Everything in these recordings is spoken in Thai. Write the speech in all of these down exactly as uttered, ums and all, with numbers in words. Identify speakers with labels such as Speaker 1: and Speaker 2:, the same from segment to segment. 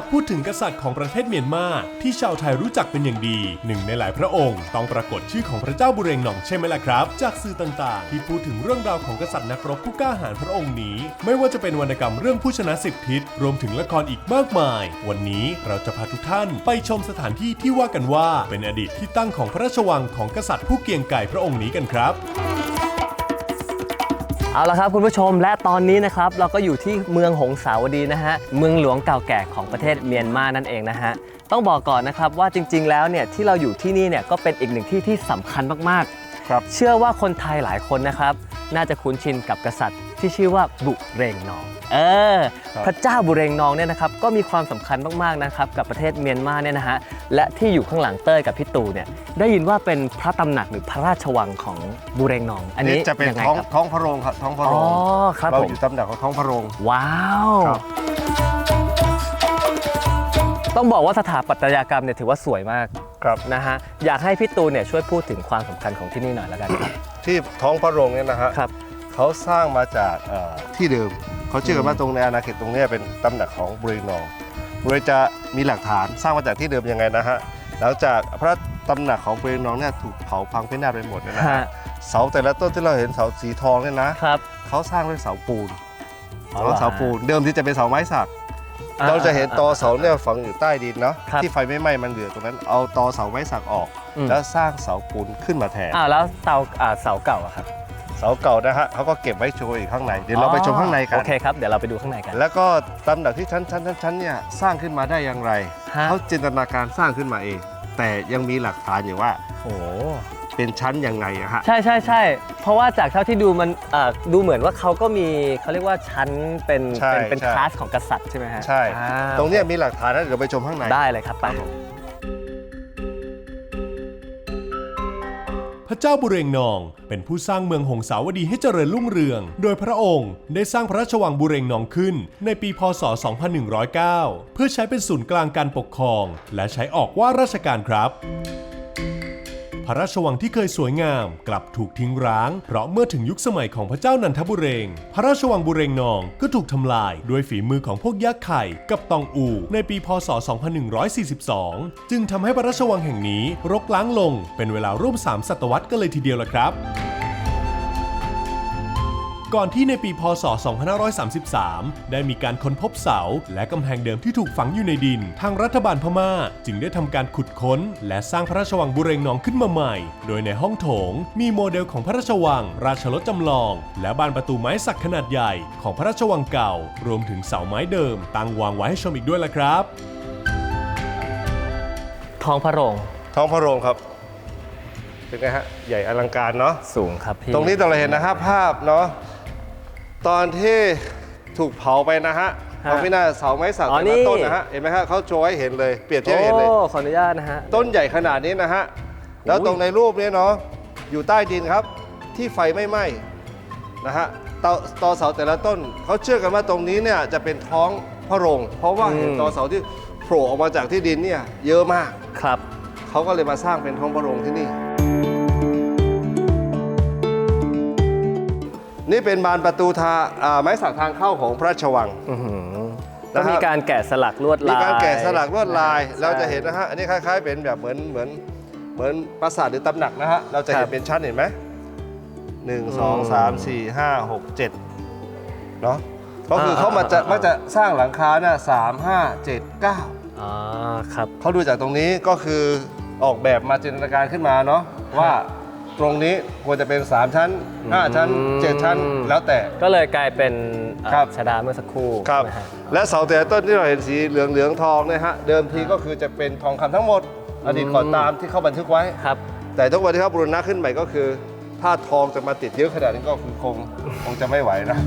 Speaker 1: พูดถึงกษัตริย์ของประเทศเมียนมาที่ชาวไทยรู้จักเป็นอย่างดีหนึ่งในหลายพระองค์ต้องปรากฏชื่อของพระเจ้าบุเรงนองใช่ไหมล่ะครับจากสื่อต่างๆที่พูดถึงเรื่องราวของกษัตริย์นักรบผู้กล้าหาญพระองค์นี้ไม่ว่าจะเป็นวรรณกรรมเรื่องผู้ชนะสิบทิศรวมถึงละครอีกมากมายวันนี้เราจะพาทุกท่านไปชมสถานที่ที่ว่ากันว่าเป็นอดีตที่ตั้งของพระราชวังของกษัตริย์ผู้เกียงไกรพระองค์นี้กันครับ
Speaker 2: เอาละครับคุณผู้ชมและตอนนี้นะครับเราก็อยู่ที่เมืองหงสาวดีนะฮะเมืองหลวงเก่าแก่ของประเทศเมียนมานั่นเองนะฮะต้องบอกก่อนนะครับว่าจริงๆแล้วเนี่ยที่เราอยู่ที่นี่เนี่ยก็เป็นอีกหนึ่งที่ที่สำคัญมากๆครับเชื่อว่าคนไทยหลายคนนะครับน่าจะคุ้นชินกับกษัตริย์ที่ชื่อว่าบุเรงนองเออพระเจ้าบุเรงนองเนี่ยนะครับก็มีความสำคัญมากๆนะครับกับประเทศเมียนมาเนี่ยนะฮะและที่อยู่ข้างหลังเต้ยกับพี่ตู่เนี่ยได้ยินว่าเป็นพระตำหนักหรือพระราชวังของบุเรงนองอันนี้
Speaker 3: จะเป็นท้องท้องพระโรงครับท้องพระโรงเราอยู่ตำแหน่งของท้องพระโรง
Speaker 2: ว้าวต้องบอกว่าสถาปัตยกรรมเนี่ยถือว่าสวยมาก
Speaker 3: ครับ
Speaker 2: นะฮะอยากให้พี่ตูนเนี่ยช่วยพูดถึงความสำคัญของที่นี่หน่อยแล้วกันครับ
Speaker 3: ที่ท้องพระโรงเนี่ยนะฮะเขาสร้างมาจากที่เดิมเขาเชื่อกันว่าตรงในอาณาเขตตรงนี้เป็นตำแหน่งของบุเรงนองบุเรงจะมีหลักฐานสร้างมาจากที่เดิมยังไงนะฮะหลังจากพระตำหนักของบุเรงนองเนี่ยถูกเผาพังพินาศไปหมดนะฮะเสาแต่ละต้นที่เราเห็นเสาสีทองเนี่ยนะเขาสร้างด้วยเสาปูนเสาปูนเดิมที่จะเป็นเสาไม้สักเราจะเห็นตอเสาเนี่ยฝังอยู่ใต้ดินเนาะที่ไฟไม่ไหม้มันเหลือตรงนั้นเอาตอเสาไม้สักออกแล้วสร้างเสาปูนขึ้นมาแทน
Speaker 2: อ้าวแล้วเสาเสาเก่าอะครับ
Speaker 3: เสาเก่านะฮะเขาก็เก็บไว้โชว์อีกข้างในเดี๋ยวเราไปชมข้างในกัน
Speaker 2: โอเคครับเดี๋ยวเราไปดูข้างในกัน
Speaker 3: แล้วก็ตำหนักที่ชั้นชั้นชั้นเนี่ยสร้างขึ้นมาได้อย่างไรเขาจินตนาการสร้างขึ้นมาเองแต่ยังมีหลักฐานอยู่ว่าโอ้เป็นชั้นยังไงอะฮะ
Speaker 2: ใช่ใช่ใช่เพราะว่าจากเท่าที่ดูมันดูเหมือนว่าเขาก็มีเขาเรียกว่าชั้นเป็นเป็นเป็นคลาสของกษัตริย์ใช่ไหมฮะ
Speaker 3: ใช่ตรงนี้มีหลักฐานนะเดี๋ยวไปชมข้างใน
Speaker 2: ได้เลยครับไป
Speaker 1: พระเจ้าบุเรงนองเป็นผู้สร้างเมืองหงสาวดีให้เจริญรุ่งเรืองโดยพระองค์ได้สร้างพระราชวังบุเรงนองขึ้นในปีพ.ศ. สองพันหนึ่งร้อยเก้า เพื่อใช้เป็นศูนย์กลางการปกครองและใช้ออกว่าราชการครับพระราชวังที่เคยสวยงามกลับถูกทิ้งร้างเพราะเมื่อถึงยุคสมัยของพระเจ้านันทบุเรงพระราชวังบุเรงนองก็ถูกทำลายด้วยฝีมือของพวกยักษ์ไข่กับตองอูในปีพ.ศ. สองพันหนึ่งร้อยสี่สิบสองจึงทำให้พระราชวังแห่งนี้รกร้างลงเป็นเวลาร่วมสามศตวรรษกันเลยทีเดียวล่ะครับก่อนที่ในปีพ.ศ. สองพันห้าร้อยสามสิบสามได้มีการค้นพบเสาและกำแพงเดิมที่ถูกฝังอยู่ในดินทางรัฐบาลพม่าจึงได้ทำการขุดค้นและสร้างพระราชวังบุเรงนองขึ้นมาใหม่โดยในห้องโถงมีโมเดลของพระราชวังราชรถจำลองและบานประตูไม้สักขนาดใหญ่ของพระราชวังเก่ารวมถึงเสาไม้เดิมตั้งวางไว้ให้ชมอีกด้วยล่ะครับ
Speaker 2: ท้องพระโรง
Speaker 3: ท้องพระโรงครับเป็นไงฮะใหญ่อลังการเนาะ
Speaker 2: สูงครับพี่
Speaker 3: ตรงนี้เราเห็นนะฮะภาพเนาะตอนที่ถูกเผาไปนะฮะเราไม่น่าเสาไม้สักแต่ละต้นนะฮะเห็นไหมฮะเขาโชว์ให้เห็นเลยเปรียบเทียบเห็นเลย
Speaker 2: โอ้ขออนุญาตนะฮะ
Speaker 3: ต้นใหญ่ขนาดนี้นะฮะแล้วตรงในรูปนี้เนาะอยู่ใต้ดินครับที่ไฟไม่ไหม้นะฮะตอตอเสาแต่ละต้นเขาเชื่อกันว่าตรงนี้เนี่ยจะเป็นท้องพระโรงเพราะว่าเห็นตอเสาที่โผล่ออกมาจากที่ดินเนี่ยเยอะมาก
Speaker 2: ครับ
Speaker 3: เขาก็เลยมาสร้างเป็นท้องพระโรงที่นี่นี่เป็นบานประตูทาไม้สักทางเข้าของพระราชวัง
Speaker 2: แล้วมีการแกะสลักลวดลาย
Speaker 3: มีการแกะสลักลวดลายเราจะเห็นนะฮะอันนี้คล้ายๆเป็นแบบเหมือนเหมือนเหมือนปราสาทหรือตำหนักนะฮะเราจะเห็นเป็นชั้นเห็นไหมหนึ่งสองสามสี่ห้าหกเจ็ดเนาะก็คือเขามาจะมาจะสร้างหลังคาเนี่ยสามห้าเจ็ดเก้า
Speaker 2: อ๋อครับ
Speaker 3: เขาดูจากตรงนี้ก็คือออกแบบมาจินตนาการขึ้นมาเนาะว่าตรงนี้ควรจะเป็นสามชั้นห้าชั้นเจ็ดชั้นแล้วแต่
Speaker 2: ก็เลยกลายเป็นชดาเมื่อสักครู่
Speaker 3: ครับและเสาแต่ต้นที่เราเห็นสีเหลืองเหลืองทองเนี่ยฮะเดิมทีก็คือจะเป็นทองคำทั้งหมดอดีตก่อนตามที่เขาบันทึกไว้
Speaker 2: ครับ
Speaker 3: แต่ทุกวันที่เขาบูรณะขึ้นใหม่ก็คือถ้าทองจะมาติดเยอะขนาดนี้ก็คือคงคงจะไม่ไหวนะ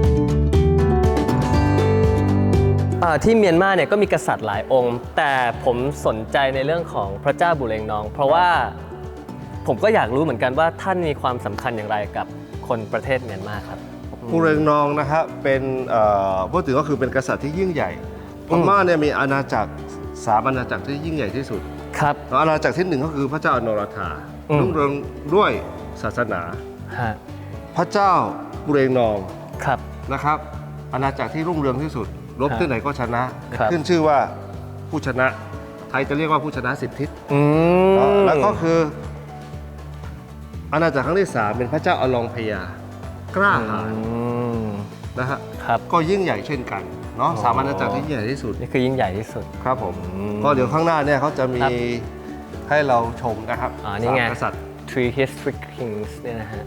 Speaker 2: ที่เมียนมาเนี่ยก็มีกษัตริย์หลายองค์แต่ผมสนใจในเรื่องของพระเจ้าบุเรงนองเพราะว่าผมก็อยากรู้เหมือนกันว่าท่านมีความสำคัญอย่างไรกับคนประเทศเมียนมาครับ
Speaker 3: บุเรงนองนะครับเป็นพูดถึงก็คือเป็นกษัตริย์ที่ยิ่งใหญ่พม่าเนี่ยมีอาณาจักรสามอาณาจักรที่ยิ่งใหญ่ที่สุด
Speaker 2: ครับ
Speaker 3: อาณาจักรที่หนึ่งก็คือพระเจ้าอนราธารุ่งเรืองด้วยศาสนาพระเจ้าบุเรงนองนะครับอาณาจักรที่รุ่งเรืองที่สุดรบที่ไหนก็ชนะขึ้นชื่อว่าผู้ชนะ ไทยจะเรียกว่าผู้ชนะสิบทิศ
Speaker 2: อืม
Speaker 3: แล้วก็คืออาณาจักรครั้งที่สามเป็นพระเจ้าอลองพยากล้าหาญ
Speaker 2: อืม
Speaker 3: นะฮะ
Speaker 2: ครับ
Speaker 3: ก็ยิ่งใหญ่เช่นกันเนาะ
Speaker 2: อ๋อ
Speaker 3: สามอาณาจักรที่ยิ่งใหญ่ที่สุด
Speaker 2: นี่คือยิ่งใหญ่ที่สุด
Speaker 3: ครับผม
Speaker 2: อืม
Speaker 3: ก็เดี๋ยวข้างหน้าเนี่ยเขาจะมี
Speaker 2: ครับ
Speaker 3: ให้เราชมนะครับ
Speaker 2: อ่านี่ไง
Speaker 3: สามกษัตริย์
Speaker 2: Three History Kings เนี่ยนะฮะ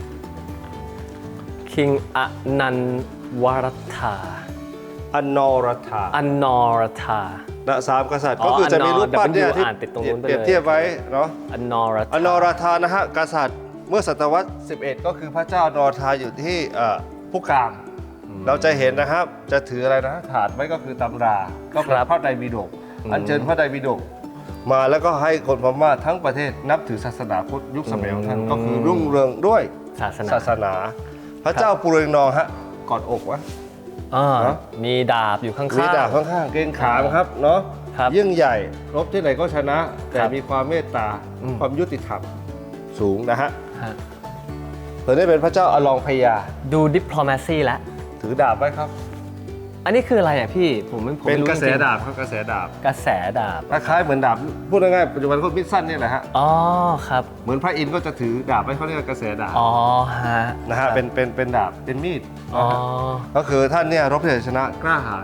Speaker 2: King อนันวรธา
Speaker 3: อนนรธา
Speaker 2: อนนรธา
Speaker 3: นะสามกษัตริย์
Speaker 2: อ๋อ
Speaker 3: ก็คือจะมีรูปปั้นเนี่ย
Speaker 2: W
Speaker 3: ที่
Speaker 2: อ่านติดตรงนู้นไปเลย
Speaker 3: เปรียบเทียบไว้เนาะ
Speaker 2: อนนรธา
Speaker 3: อนนรธานะฮะกษัตริย์เมื่อศตวรรษสิบเอ็ดก็คือพระเจ้านรธาอยู่ที่เอ่อผู้กลาง เราจะเห็นนะครับจะถืออะไรนะถาดไว้ก็คือตำรา ก็เป็นพระไตรปิฎกอัญเชิญพระไตรปิฎกมาแล้วก็ให้คนพม่าทั้งประเทศนับถือศาสนาพุทธยุคสมัยของท่านก็คือรุ่งเรืองด้วย
Speaker 2: ศาสนา
Speaker 3: ศาสนา พระเจ้าปุเรงนองฮะกอดอกวะ
Speaker 2: อ่า
Speaker 3: เนอะ
Speaker 2: มีดาบอยู่ข้างๆ
Speaker 3: มีดาบข้างๆเกรงขามครับเนาะ
Speaker 2: ครับ
Speaker 3: ยิ่งใหญ่รบที่ไหนก็ชนะ แต่
Speaker 2: ครับ
Speaker 3: มีความเมตตา
Speaker 2: อืม
Speaker 3: ความยุติธรรมสูงนะฮะ
Speaker 2: ฮะ
Speaker 3: ตัวนี้เป็นพระเจ้าอลองพยา
Speaker 2: ดู diplomacy แล้ว
Speaker 3: ถือดาบไว้ครับ
Speaker 2: อันนี้คืออะไรอ่ะพี่ ผมไม่ผม
Speaker 3: เป็น
Speaker 2: ไม่รู้
Speaker 3: กระแส
Speaker 2: จงๆ
Speaker 3: ดาบครับกระแสดาบ
Speaker 2: กระแสดาบ
Speaker 3: คล้ายๆเหมือนดาบพูดง่ายๆปัจจุบันก็มิดสั้นนี่แหละฮะ
Speaker 2: อ๋อครับ
Speaker 3: เหมือนพระอินทร์ก็จะถือดาบไว้เขาเรียกว่ากระแสดาบ
Speaker 2: อ๋อฮะ
Speaker 3: นะฮะเป็นเป็นเป็นดาบเป็นมีด
Speaker 2: อ๋อ
Speaker 3: นะฮะก็คือท่านเนี่ยรบที่ไหนชนะกล้าหาญ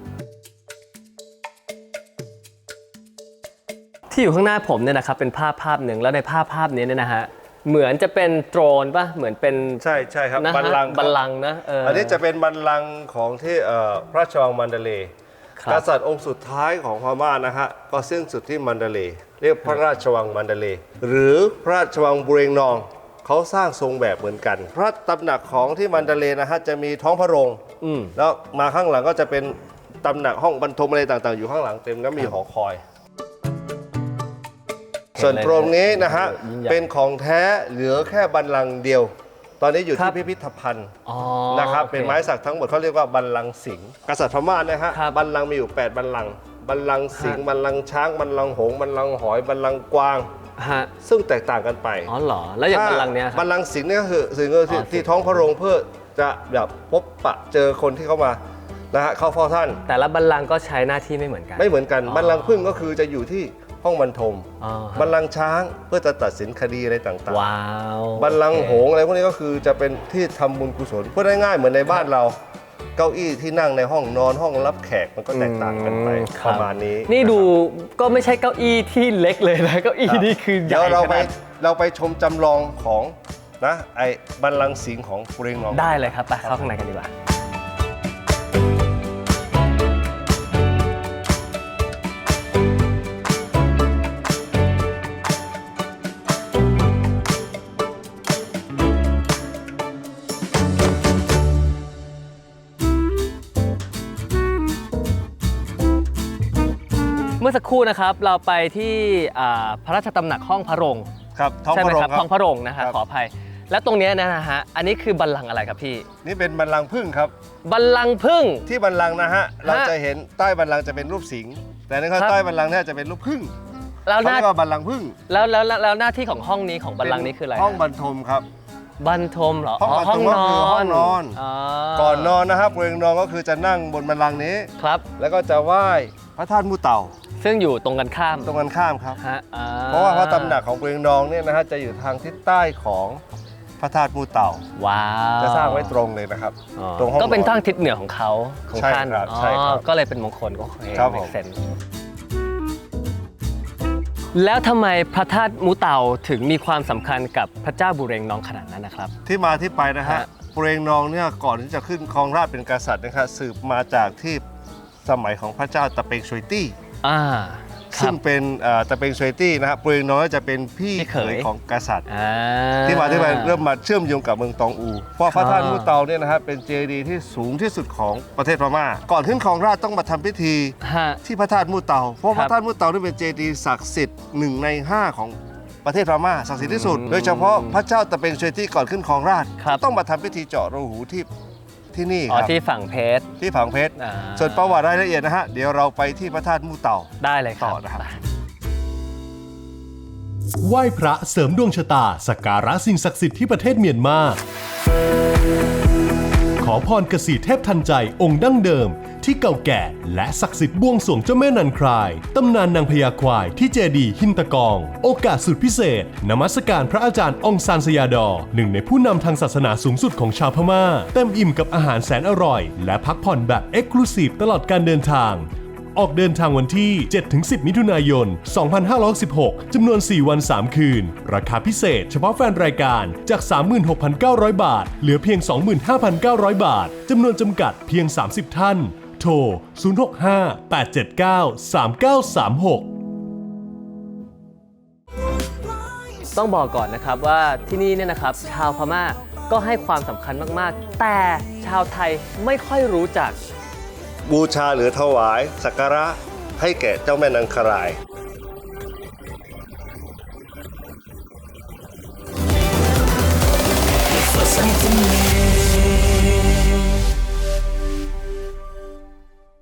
Speaker 2: ที่อยู่ข้างหน้าผมเนี่ยนะครับเป็นภาพภาพหนึ่งแล้วในภาพภาพนี้เนี่ยนะฮะเหมือนจะเป็นโดรนป่ะเหมือนเป็น
Speaker 3: ใช่ใช่ครับ
Speaker 2: นะฮะ
Speaker 3: บัลลังก์ครับ
Speaker 2: บัลลังก์นะเออ
Speaker 3: อั
Speaker 2: อั
Speaker 3: นนี้จะเป็นบัลลังก์ของที่เอ่อพระราชวังมันเดเลย์
Speaker 2: ครับ
Speaker 3: กษัตริย์องค์สุดท้ายของพม่านะฮะก็สิ้นสุดที่มันเดเลย์เรียกพระราชวังมันเดเลย์หรือพระราชวังบุเรงนองเขาสร้างทรงแบบเหมือนกัน พระตำหนักของที่มันเดเลย์นะฮะจะมีท้องพระโรง
Speaker 2: อืม
Speaker 3: แล้วมาข้างหลังก็จะเป็นตำหนักห้องบรรทมอะไรต่างๆ อยู่ข้างหลังเต็มแล้วมีหอคอย ส่วนตรงนี้นะฮะ
Speaker 2: ยิ่งใหญ่
Speaker 3: เป็นของแท้เหลือแค่บัลลังก์เดียว ตอนนี้อยู่
Speaker 2: ครั
Speaker 3: ที่
Speaker 2: บ
Speaker 3: พิพิธภัณฑ์
Speaker 2: อ๋อ
Speaker 3: นะครับ
Speaker 2: โอค
Speaker 3: เป็นไม้สักทั้งหมดเขาเรียกว่าบัลลังก์สิงห์กษัตริย์พม่านะฮะ
Speaker 2: ครับ
Speaker 3: บัลลังก์มีอยู่แปดบัลลังก์บัลลังก์สิงห์
Speaker 2: ฮะ
Speaker 3: บัลลังก์ช้างบัลลังก์หงส์บัลลังก์หอยบัลลังก์กวาง
Speaker 2: ฮะ
Speaker 3: ซึ่งแตกต่างกันไป
Speaker 2: อ๋อเหรอแล้วอย่างบัลลังก์เนี้ยค
Speaker 3: บั
Speaker 2: รับ
Speaker 3: ลลังก์สิงห์เนี่ยก็คือสิงห์ก็คือที่
Speaker 2: อ๋อ
Speaker 3: ที่ท้องพระโรงเพื่อจะแบบพบปะเจอคนที่เข้ามานะฮะเข้าเฝ้าท่าน
Speaker 2: แต่ละบัลลังก์ก็ใช้หน้าที่ไม่เหมือนกัน
Speaker 3: ไม่เหมือนกัน
Speaker 2: อ๋อ
Speaker 3: บัลลังก์พึ่งก็คือจะอยู่ที่ห้องบรรทม
Speaker 2: อ๋อฮะ
Speaker 3: บัลลังก์ช้างเพื่อจะตัดสินคดีอะไรต่างๆ
Speaker 2: ว้าว
Speaker 3: บัลลังก์หงส์อะไรพวกนี้ก็คือจะเป็นที่ทำบุญกุศลพูดง่ายๆเหมือนในบ้านเรา เก้าอี้ที่นั่งในห้องนอนห้องรับแขกมันก็แตกต่างกันไป
Speaker 2: อืมค
Speaker 3: ป
Speaker 2: บ
Speaker 3: ระมาณนี้
Speaker 2: นี่ดู
Speaker 3: ะค
Speaker 2: ก็ไม่ใช่เก้าอี้ที่เล็กเลยนะเก้าอี้
Speaker 3: รับ
Speaker 2: นี่คือให
Speaker 3: เดี๋
Speaker 2: ญ่
Speaker 3: ยวเราไป
Speaker 2: ขนาด
Speaker 3: เราไปชมจำลองของนะไอ้บัลลังก์สิงห์ของปุเรงนอง
Speaker 2: ได้เลยครับไปเข้าข้างในกันดีกว่า เมื่อสักครู่นะครับเราไปที่อ่าพระราชตำหนักห้องพระโรง
Speaker 3: ครับท้อง
Speaker 2: ใช่
Speaker 3: พ
Speaker 2: ไหม
Speaker 3: ระโรง
Speaker 2: ครับ
Speaker 3: ครั
Speaker 2: ห้องพระโรงนะฮะ
Speaker 3: ครับ
Speaker 2: ขออภัย และตรงเนี้ยนะฮะอันนี้คือบัลลังก์อะไรครับพี่
Speaker 3: นี่เป็นบัลลังก์พึ่งครับ
Speaker 2: บัลลังก์พึ่ง
Speaker 3: ที่บัลลังก์นะฮะเราจะเห็นใต้บัลลังก์จะเป็นรูปสิงห์แต่ในข้าง
Speaker 2: ครับ
Speaker 3: ใต้บัลลังก์เนี่ยจะเป็นรูปพึ่ง
Speaker 2: แล้วห
Speaker 3: เขา
Speaker 2: น้า
Speaker 3: เรียกว่าบัลลังก์พึ่ง
Speaker 2: แล้วแล้วแล้วแล้วหน้าที่ของห้องนี้ของบัลลังก์นี้คืออะไร
Speaker 3: ห้อง
Speaker 2: ฮะ
Speaker 3: บรรทมครับ
Speaker 2: บรรทมเหรอ
Speaker 3: ห้องบรรทมก็คือห้องนอน ก่อนนอนนะครับปุเรงนองก็คือจะนั่งบนบัลลังก์นี้
Speaker 2: ครับ
Speaker 3: แล้วก็จะไหว้พระธาตุมูเต่า
Speaker 2: ซึ่งอยู่ตรงกันข้าม
Speaker 3: ตรงกันข้ามครับ
Speaker 2: ฮะอ่
Speaker 3: เพราะว่าพระตำหนักของปุเรงนองเนี่ยนะฮะจะอยู่ทางทิศใต้ของพระธาตุมูเต่า
Speaker 2: ว้าว
Speaker 3: จะสร้างไว้ตรงเลยนะครับ
Speaker 2: อ๋อ
Speaker 3: ตรงห้อง
Speaker 2: ก็เป็น
Speaker 3: นอน
Speaker 2: ทางทิศเหนือของเขาของ
Speaker 3: ใช่
Speaker 2: ท่าน
Speaker 3: ครับ
Speaker 2: อ๋อ
Speaker 3: ใช่ครับ
Speaker 2: ก็เลยเป็นมงคลก็โอเค
Speaker 3: ครับผม
Speaker 2: make sense แล้วทำไมพระธาตุมูเต่าถึงมีความสำคัญกับพระเจ้าบุเรงนองขนาดนั้นนะครับ
Speaker 3: ที่มาที่ไปนะฮะ
Speaker 2: ฮะ
Speaker 3: ปุเรงนองเนี่ยก่อนที่จะขึ้นครองราชย์เป็นกษัตริย์นะครับสืบมาจากที่สมัยของพระเจ้าตะเปงชวยตี้
Speaker 2: อ่าครั
Speaker 3: ซึ่
Speaker 2: บ
Speaker 3: งเป็นเอ่อตะเปงชวยตี้นะครับปุเรงนองจะเป็นพี่
Speaker 2: พี่
Speaker 3: เข
Speaker 2: เขย
Speaker 3: ยของกษัตริย์
Speaker 2: อ่า
Speaker 3: ที่มาที่ไปเริ่มมาเชื่อมโยงกับเมืองตองอู เพราะพระธาตุ
Speaker 2: อ่า
Speaker 3: มูเตาเนี่ยนะครับเป็นเจดีย์ที่สูงที่สุดของประเทศพม่า ก่อนขึ้นครองราชย์ต้องมาทำพิธี
Speaker 2: ฮะ
Speaker 3: ที่พระธาตุมูเตา เพราะ
Speaker 2: ค
Speaker 3: พ
Speaker 2: รับ
Speaker 3: ระธาตุมูเตานี่เป็นเจดีย์ศักดิ์สิทธิ์หนึ่งในห้าของประเทศพม่าศักดิ์สิทธิ์ที่สุด
Speaker 2: อืม
Speaker 3: โดยเฉพาะพระเจ้าตะเปงชวยตี้ก่อนขึ้นครองราชย์
Speaker 2: ครับ
Speaker 3: ต้องมาทำพิธีเจาะรูหูที่ที่นี่
Speaker 2: อ๋อ
Speaker 3: ครับ
Speaker 2: ที่ฝั่งเพชร
Speaker 3: ที่ผังเพชร
Speaker 2: อ่า
Speaker 3: ส่วนประวัติรายละเอียดนะฮะเดี๋ยวเราไปที่พระธาตุมูเตา
Speaker 2: ได้เลยครับ
Speaker 3: ต่อนะครับ
Speaker 2: ไป
Speaker 1: ไหว้พระเสริมดวงชะตาสักการะสิ่งศักดิ์สิทธิ์ที่ประเทศเมียนมา ขอพรกษีเทพทันใจองค์ดั้งเดิมที่เก่าแก่และศักดิ์สิทธิ์บวงสรวงเจ้าแม่นันครายตำนานนางพญาควายที่เจดีย์หินตะกอง โอกาสสุดพิเศษนมัสการพระอาจารย์องซานสยาดอหนึ่งในผู้นำทางศาสนาสูงสุดของชาวพม่าเต็มอิ่มกับอาหารแสนอร่อยและพักผ่อนแบบเอ็กซ์คลูซีฟตลอดการเดินทางออกเดินทางวันที่ เจ็ดถึงสิบ มิถุนายน สองพันห้าร้อยสิบหก จำนวน สี่ วัน สาม คืน ราคาพิเศษเฉพาะแฟนรายการจาก สามหมื่นหกพันเก้าร้อย บาท เหลือเพียง สองหมื่นห้าพันเก้าร้อย บาท จำนวนจำกัดเพียง สามสิบ ท่าน โทร ศูนย์ หก ห้า แปด เจ็ด เก้า สาม เก้า สาม หก
Speaker 2: ต้องบอกก่อนนะครับว่าที่นี่เนี่ยนะครับชาวพม่าก็ให้ความสำคัญมากๆ แต่ชาวไทยไม่ค่อยรู้จัก
Speaker 3: บูชาหรือถวายสักการะให้แก่เจ้าแม่นางคราย
Speaker 4: For something